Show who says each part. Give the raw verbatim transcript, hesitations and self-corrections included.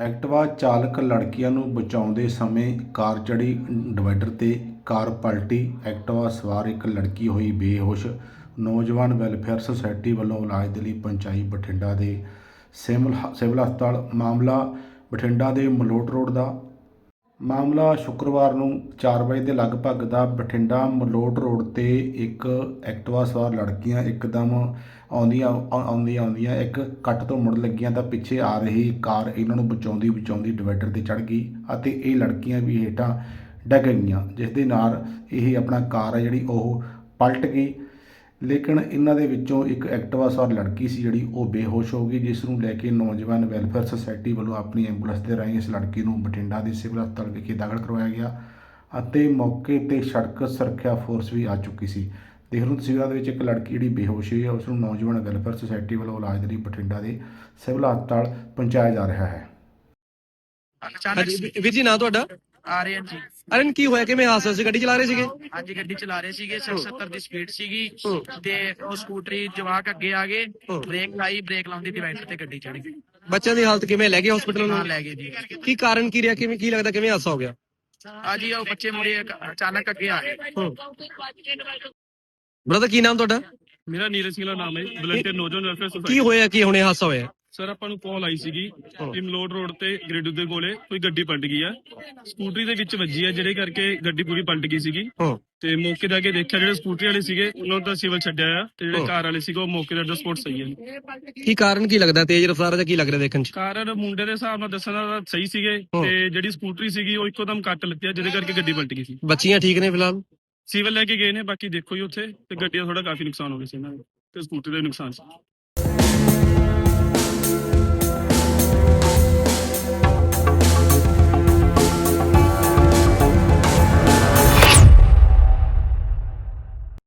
Speaker 1: Activa ਚਾਲਕ ਲੜਕੀਆਂ ਨੂੰ ਬਚਾਉਂਦੇ ਸਮੇਂ ਕਾਰ ਚੜ੍ਹੀ ਡਿਵਾਈਡਰ 'ਤੇ, ਕਾਰ ਪਲਟੀ, ਐਕਟਿਵਾ ਸਵਾਰ ਇੱਕ ਲੜਕੀ ਹੋਈ ਬੇਹੋਸ਼। ਨੌਜਵਾਨ ਵੈਲਫੇਅਰ ਸੁਸਾਇਟੀ ਵੱਲੋਂ ਇਲਾਜ ਦੇ ਲਈ ਪਹੁੰਚਾਈ ਬਠਿੰਡਾ ਦੇ ਸਿਮਲ ਸਿਵਲ ਹਸਪਤਾਲ। ਮਾਮਲਾ ਬਠਿੰਡਾ ਦੇ ਮਲੋਟ ਰੋਡ ਦਾ। ਮਾਮਲਾ ਸ਼ੁੱਕਰਵਾਰ ਨੂੰ ਚਾਰ ਵਜੇ ਦੇ ਲਗਭਗ ਦਾ। ਬਠਿੰਡਾ ਮਲੋਟ ਰੋਡ 'ਤੇ ਇੱਕ ਐਕਟਿਵਾ ਸਵਾਰ ਲੜਕੀਆਂ ਇੱਕਦਮ ਆਉਂਦੀਆਂ ਆਉਂਦੀਆਂ ਆਉਂਦੀਆਂ ਇੱਕ ਕੱਟ ਤੋਂ ਮੁੜ ਲੱਗੀਆਂ ਤਾਂ ਪਿੱਛੇ ਆ ਰਹੀ ਕਾਰ ਇਹਨਾਂ ਨੂੰ ਬਚਾਉਂਦੀ ਬਚਾਉਂਦੀ ਡਿਵਾਈਡਰ 'ਤੇ ਚੜ੍ਹ ਗਈ ਅਤੇ ਇਹ ਲੜਕੀਆਂ ਵੀ ਹੇਠਾਂ ਡਿੱਗ ਗਈਆਂ, ਜਿਸ ਦੇ ਨਾਲ ਇਹ ਆਪਣਾ ਕਾਰ ਹੈ ਜਿਹੜੀ ਉਹ ਪਲਟ ਗਈ। ਲੇਕਿਨ ਇਹਨਾਂ ਦੇ ਵਿੱਚੋਂ ਇੱਕ ਐਕਟਿਵਾ ਸਵਾਰ ਲੜਕੀ ਸੀ ਜਿਹੜੀ ਉਹ ਬੇਹੋਸ਼ ਹੋ ਗਈ, ਜਿਸ ਨੂੰ ਲੈ ਕੇ ਨੌਜਵਾਨ ਵੈਲਫੇਅਰ ਸੁਸਾਇਟੀ ਵੱਲੋਂ ਆਪਣੀ ਐਂਬੂਲੈਂਸ ਦੇ ਰਾਹੀਂ ਇਸ ਲੜਕੀ ਨੂੰ ਬਠਿੰਡਾ ਦੇ ਸਿਵਲ ਹਸਪਤਾਲ ਵਿਖੇ ਦਾਖਲ ਕਰਵਾਇਆ ਗਿਆ ਅਤੇ ਮੌਕੇ 'ਤੇ ਸੜਕ ਸੁਰੱਖਿਆ ਫੋਰਸ ਵੀ ਆ ਚੁੱਕੀ ਸੀ। ਦੇਖ ਲਓ ਤਸਵੀਰਾਂ ਦੇ ਵਿੱਚ ਇੱਕ ਲੜਕੀ ਜਿਹੜੀ ਬੇਹੋਸ਼ ਹੋਈ ਹੈ, ਉਸ ਨੂੰ ਨੌਜਵਾਨ ਵੈਲਫੇਅਰ ਸੁਸਾਇਟੀ ਵੱਲੋਂ ਇਲਾਜ ਦੇ ਲਈ ਬਠਿੰਡਾ ਦੇ ਸਿਵਲ ਹਸਪਤਾਲ ਪਹੁੰਚਾਇਆ ਜਾ ਰਿਹਾ ਹੈ।
Speaker 2: ਹਾਂਜੀ ਵੀਰ ਜੀ, ਨਾਂ ਤੁਹਾਡਾ?
Speaker 3: ਆਰੀਅਨ ਜੀ।
Speaker 2: ਅਰਨ, ਕੀ ਹੋਇਆ? ਕਿਵੇਂ ਹਾਦਸਾ ਸੀ? ਗੱਡੀ ਚਲਾ ਰਹੇ ਸੀਗੇ?
Speaker 3: ਹਾਂਜੀ, ਗੱਡੀ ਚਲਾ ਰਹੇ ਸੀਗੇ, ਸੱਤਰ ਦੀ ਸਪੀਡ ਸੀਗੀ ਤੇ ਉਹ ਸਕੂਟਰੀ ਜਵਾਕ ਅੱਗੇ ਆ ਗਏ, ਬ੍ਰੇਕ ਲਾਈ, ਬ੍ਰੇਕ ਲਾਉਂਦੀ ਡਿਵਾਈਡਰ ਤੇ ਗੱਡੀ ਚੜ ਗਈ।
Speaker 2: ਬੱਚਿਆਂ ਦੀ ਹਾਲਤ ਕਿਵੇਂ? ਲੈ ਗਏ ਹਸਪੀਟਲ
Speaker 3: ਨਾਲ
Speaker 2: ਨੂੰ?
Speaker 3: ਲੈ ਗਏ ਜੀ।
Speaker 2: ਕੀ ਕਾਰਨ ਕੀ ਰਿਹਾ? ਕਿਵੇਂ, ਕੀ ਲੱਗਦਾ ਕਿਵੇਂ ਹਾਦਸਾ ਹੋ ਗਿਆ?
Speaker 3: ਆ ਜੀ ਉਹ ਬੱਚੇ ਮੁੜੇ ਅਚਾਨਕ ਅੱਗੇ ਆ ਗਏ।
Speaker 2: ਬ੍ਰਦਰ, ਕੀ ਨਾਮ ਤੁਹਾਡਾ?
Speaker 4: ਮੇਰਾ ਨੀਰਜ ਸਿੰਘ ਦਾ ਨਾਮ ਹੈ, ਵਲੰਟੀਅਰ ਨੌਜਵਾਨ ਵੈਲਫੇਅਰ
Speaker 2: ਕੀ
Speaker 4: ਸੁਸਾਇਟੀ।
Speaker 2: ਹੋਇਆ? ਕੀ ਹੁਣੇ ਹਾਦਸਾ ਹੋਇਆ?
Speaker 4: ਸਰ, ਆਪਾਂ ਨੂੰ ਕਾਲ ਆਈ ਸੀਗੀ ਕਿ ਮਲੋਟ ਰੋਡ ਤੇ ਗ੍ਰੇਡੂ ਦੇ ਕੋਲੇ ਕੋਈ ਗੱਡੀ ਪਲਟ ਗਈ ਆ, ਸਕੂਟਰੀ ਦੇ ਵਿੱਚ ਵੱਜੀ ਆ, ਜਿਹੜੇ ਕਰਕੇ ਗੱਡੀ ਪੂਰੀ ਪਲਟ ਗਈ ਸੀਗੀ। ਤੇ ਮੌਕੇ ਤੇ ਆ ਕੇ ਦੇਖਿਆ ਜਿਹੜੇ ਸਕੂਟਰੀ ਵਾਲੇ ਸੀਗੇ ਉਹਨਾਂ ਨੂੰ ਤਾਂ ਸਿਵਲ ਛੱਡਿਆ ਆ, ਤੇ ਜਿਹੜੇ ਕਾਰ ਵਾਲੇ ਸੀਗੇ ਉਹ ਮੌਕੇ ਤੇ ਸਪੋਰਟ ਸਹੀ ਹੈ।
Speaker 2: ਕੀ ਕਾਰਨ ਕੀ ਲੱਗਦਾ? ਤੇਜ਼ ਰਫ਼ਤਾਰ ਦਾ ਕੀ ਲੱਗ ਰਿਹਾ ਦੇਖਣ ਚ?
Speaker 4: ਕਾਰਨ ਮੁੰਡੇ ਦੇ ਹਿਸਾਬ ਨਾਲ ਦੱਸਣ ਦਾ ਸਹੀ ਸੀਗੇ, ਤੇ ਜਿਹੜੀ ਸਕੂਟਰੀ ਸੀਗੀ ਉਹ ਇੱਕੋ ਦਮ ਕੱਟ ਲੱਤੀ ਆ, ਜਿਹਦੇ ਕਰਕੇ ਗੱਡੀ ਪਲਟ ਗਈ ਸੀ।
Speaker 2: ਬੱਚੀਆਂ ਠੀਕ ਨੇ ਫਿਲਹਾਲ?
Speaker 4: ਸਿਵਲ ਲੈ ਕੇ ਗਏ ਨੇ, ਬਾਕੀ ਦੇਖੋ ਜੀ ਉੱਥੇ ਤੇ ਗੱਡੀਆਂ ਥੋੜਾ ਕਾਫੀ ਨੁਕਸਾਨ ਹੋ ਗਿਆ ਸੀ ਇਹਨਾਂ ਦਾ, ਤੇ ਸਕੂਟਰੀ ਦਾ ਵੀ ਨੁਕਸਾਨ ਸੀ।